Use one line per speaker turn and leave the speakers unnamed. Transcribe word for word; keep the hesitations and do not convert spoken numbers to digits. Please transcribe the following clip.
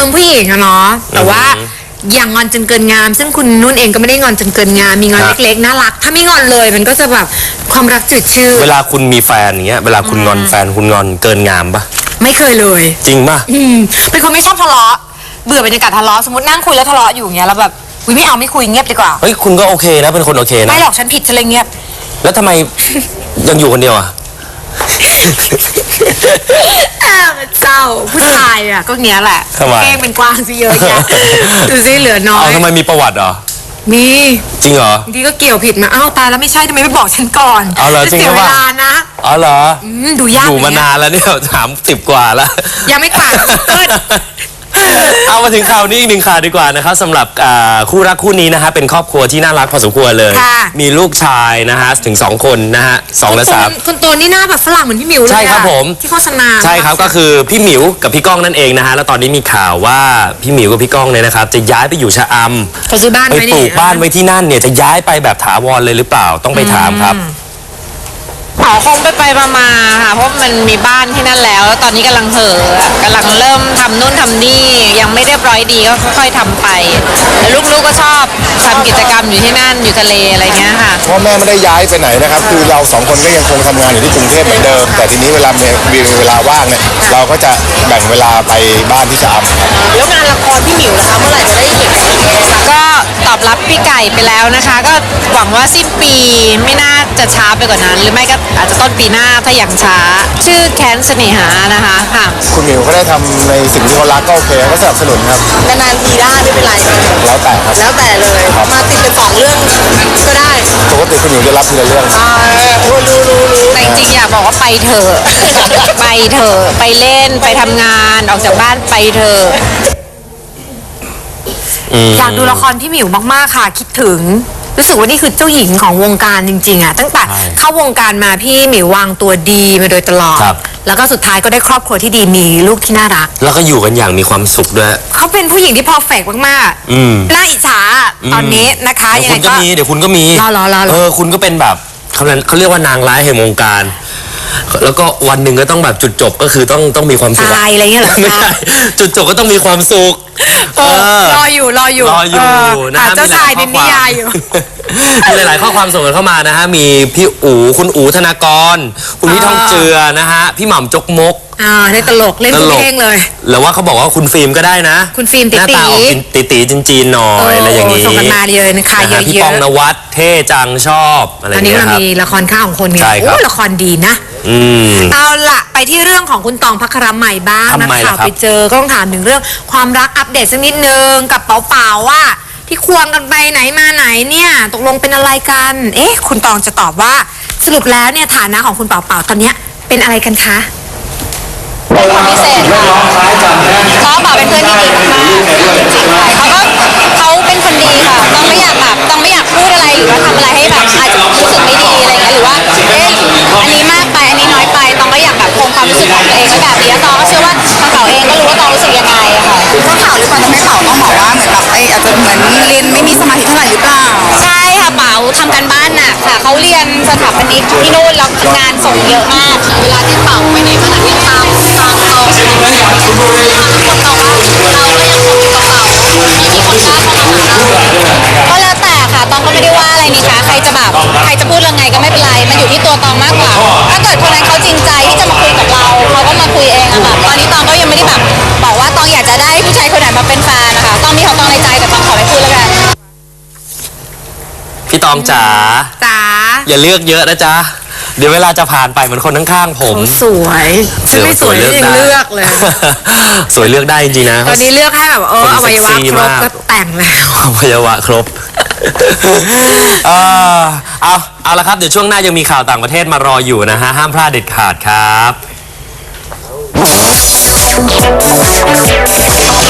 ารมณ์ผู้หญิงอะเนาะแต่ว่าอย่างงอนจนเกินงาม ซึ่งคุณนุ่นเองก็ไม่ได้งอนจนเกินงามมีงอน
ครับ
เล็กๆน่ารักถ้าไม่งอนเลยมันก็จะแบบความรักจืดชืด
เวลาคุณมีแฟนอย่างเงี้ยเวลาคุณงอนแฟนคุณงอนเกินงามปะ
ไม่เคยเลย
จริงปะ
อืมเป็นคนไม่ชอบทะเลาะเบื่อบรรยากาศทะเลาะสมมตินั่งคุยแล้วทะเลาะอยู่อย่างเงี้ยแล้วแบบอุ๊ยไม่เอาไม่คุยเงียบดีกว่า
เฮ้ยคุณก็โอเคนะเป็นคนโอเคนะ
ไม่หรอกฉันผิดฉันเลยเงียบ
แล้วทำไม ยังอยู่คนเดียวอ่ะ
อ่ามันเศร้าผู้ชายอ่ะก็เงี้ยแหละ
ทำไม
เก้งเป็นกวางสิเยอะแยะดูสิเหลือน้อ
เอา
ย
ทำไมมีประวัติเหรอ
มี
จริงเหรอ
บางทีก็เกี่ยวผิดมาอ้าวตายแล้วไม่ใช่ทำไมไม่บอกฉันก่อน
เอาเหรอจริง
เสีย
หรือ
เว
เปล่า
ลานะ
อ๋อเหรอ
อืมดูยาก
อยู่มา
เลย
นานแล้วเนี่ยถามสิบกว่าแล้ว
ยังไม่กว่าเกิด
เอามาถึงข่าวนี้อีกหนึ่งข่าวดีกว่านะครับสำหรับอ่าคู่รักคู่นี้นะฮะเป็นครอบครัวที่น่ารักพอสมควรเลย
ค่ะ
มีลูกชายนะฮะถึงสองคนนะฮะสองและสาม
คนโตนี่หน้าแบบฝรั่งเหมือนพี่หมิวเลยอะ
ใช่ครับผม
ที่โฆษณา
ใช่ครับก็คือพี่หมิวกับพี่ก้องนั่นเองนะฮะแล้วตอนนี้มีข่าวว่าพี่หมิวกับพี่ก้องเนี่ยนะครับจะย้ายไปอยู่ชะอำ
เขาซื้อบ้าน
ไป
ไว้
ป
นี่
ลูกบ้านไว้ที่นั่นเนี่ยจะย้ายไปแบบถาวรเลยหรือเปล่าต้องไปถามครับ
ขอคงไปไปมามาๆค่ะเพราะมันมีบ้านที่นั่นแล้วแล้วตอนนี้กำลังเห่อะกำลังเริ่มทำนู่นทำนี่ยังไม่เรียบร้อยดีก็ค่อยๆทำไปแล้วลูกๆก็ชอบทำกิจกรรมอยู่ที่นั่นอยู่ทะเลอะไรเงี้ยค่ะ
พ่อแม่ไม่ได้ย้ายไปไหนนะครับ คือเราสองคนก็ยังคงทำงานอยู่ที่กรุงเทพเหมือนเดิม แต่ทีนี้เวลามีมีเวลาว่างเนี่ยเราก็จะแบ่งเวลาไปบ้านที่ชะอำครับ
แล้วงานละครพี่หมิวนะคะเมื่อไหร่จะได้เห็นก็ตอบรับพี่ไก่ไปแล้วนะคะ ก็หวังว่าสิ้นปีไม่น่าจะช้าไปกว่านั้น หรือไม่ก็อาจจะต้นปีหน้าถ้าอย่างช้า ชื่อแค้นเสน่หานะคะค่ะ
คุณหมิวเขาได้ทำในสิ่งที่เขารักก็โอเคก็สนับสนุนครับ
นานๆทีได้ไม่เป็นไร
แล้วแต่ครับ
แล้วแต่เลย มาติดเป็นสองเรื่องก็ได้
ปกติคุณหมิวจะรับทีละเรื่อง
อ่ารู้รู้รู้แต่จริงๆอยากบอกว่าไปเถอะ ไปเถอะไปเล่นไปทำงานออกจากบ้านไปเถอะ
อยากดูละครพี่หมิวมากๆค่ะ คิดถึงรู้สึกว่านี่คือเจ้าหญิงของวงการจริงๆอ่ะตั้งแต่
ใช่
เข้าวงการมาพี่หมิววางตัวดีมาโดยตลอด
ครับ
แล้วก็สุดท้ายก็ได้ครอบครัวที่ดีมีลูกที่น่ารัก
แล้วก็อยู่กันอย่างมีความสุขด้วย
เขาเป็นผู้หญิงที่เพอร์เฟกต์มาก
อืม
ๆน่าอิจฉาตอนนี้นะคะ
เดี๋
ยั
ยว
ง
คุ
ไง
ณก็
ก็
มีเดี๋ยวคุณก็มี
รอรอรอรอ
เออคุณก็เป็นแบบเขาเรียกเขาเรียกว่านางร้ายแห่งวงการ แล้วก็วันหนึ่งก็ต้องแบบจุดจบก็คือต้องต้องมีความสุข
ตายอะไรเงี้ยเหรอ
ไม่ใช่จุดจบก็ต้องมีความสุข
เออรออยู่รออยู่
รออยู่
เ
นะ
หา
ฮะ
เจ้าชายใน
มีหล
นิ
ข้
ยายอยู่
มีหลายๆข้อความส่งกันเข้ามานะฮะมีพี่อู๋คุณอู๋ธนากร คุณพี่ทองเจือนะฮะพี่หม่ำจกมก
อ่าได้ตลกเล่นทุกเพลงเลย
หรือว่าเขาบอกว่าคุณฟิล์มก็ได้นะ
คุณฟิล์ม
หน้าตาออก
ตี๋
ตีตีๆจีนๆหน่อยอะไรอย่าง
นี้
นี้
ส่งกันมาเลยนะคะ
นะ
เย
ฮะ
อะ
พี่
ๆ
ปองนวัดเท่จังชอบอะไรอ
ตอน
ย่าง
นี้
เงี้ย
เรา
ครับ
มีละครข้าวของคนไง
ใช่ครับ
โอ้ละครดีนะ
อืม
เอาละไปที่เรื่องของคุณตองพัครใหม่บ้าง
ทำ
นะ
ไม
ข่า
ล่ะ
ว
ครับ
ไปเจอก็ต้องถามถึงเรื่องความรักอัปเดตสักนิดนึงกับเป๋าเป๋าว่าที่ควงกันไปไหนมาไหนเนี่ยตกลงเป็นอะไรกัน เอ๊ะ คุณตองจะตอบว่าสรุปแล้วเนี่ยฐานะของคุณเป๋าเป๋าตอนเนี้ยเป็นอะไรกันคะ
เป็นคนพิเศษค่ะเขาบอกเป็นเพื่อนที่ดีมากๆจริงๆค่ะเขาก็เขาเป็นคนดีค่ะ ต้องไม่อยากแบบต้องไม่อยากพูดอะไรหรือว่าทำอะไรให้แบบอาจจะรู้สึกไม่ดีอะไรเงี้ยหรือว่าเอ๊ะอันนี้มากไปอันนี้น้อยไปต้องก็อยากแบบคงความรู้สึกของตัวเองไว้แบบนี้ตองก็เชื่อว่าทางเขาเองก็รู้ว่าตองรู้สึกยังไงอะค่ะ
ก็ข่าวหรือเปล่าทำให้เป๋าต้องบอกว่าเหมือนแบบไอ้อาจจะเหมือนเรียนไม่มีสมาธิเท่าไหร่หรือเปล่า
ใช่ค่ะเป๋าทำการบ้านหนักค่ะเขาเรียนสถาปนิกที่นู่นแล้วงานส่งเยอะมากเวลาที่เป๋าไปไหนมาไหนยังตามตามเขาทุกคนบอกว่าเราก็ยังคงอยู่กับเป๋ามีคนกล้าเข้ามาหาเราก็แล้วแต่ค่ะตองก็ไม่ได้ว่าอะไรนี่คะใครจะแบบใครจะพูดเรื่องไงก็ไม่เป็นไรมันอยู่ที่ตัวตองมากกว่า ถ้าเกิดคนนั้นเขาจริงใจที่จะมาคุยกับเราเขาก็มาคุยเองอะค่ะตอนนี้ตองก็ยังไม่ได้แบบบอกว่าตองอยากจะได้ผู้ชายคนไหนมาเป็นแฟนนะคะตองมีของตองในใจแต่ตองขอไม่พูดแล้วกัน
พี่ตองจ๋า
จ๋า
อย่าเลือกเยอะนะจ๊ะเดี๋ยวเวลาจะผ่านไปเหมือนคนข้างๆผม
เขาสวยฉันไม่สวยฉันยังเลือกเลย
สวยเลือกได้จริงๆนะ
ตอนนี้เลือกให้แบบเออ
คน
อวัยวะ
เซ็กซี่
ครบ
มาก
ก็แต่งแล้ว
อวัยวะครบ เออเอาเอาละครับเดี๋ยวช่วงหน้ายังมีข่าวต่างประเทศมารออยู่นะฮะห้ามพลาดเด็ดขาดครับ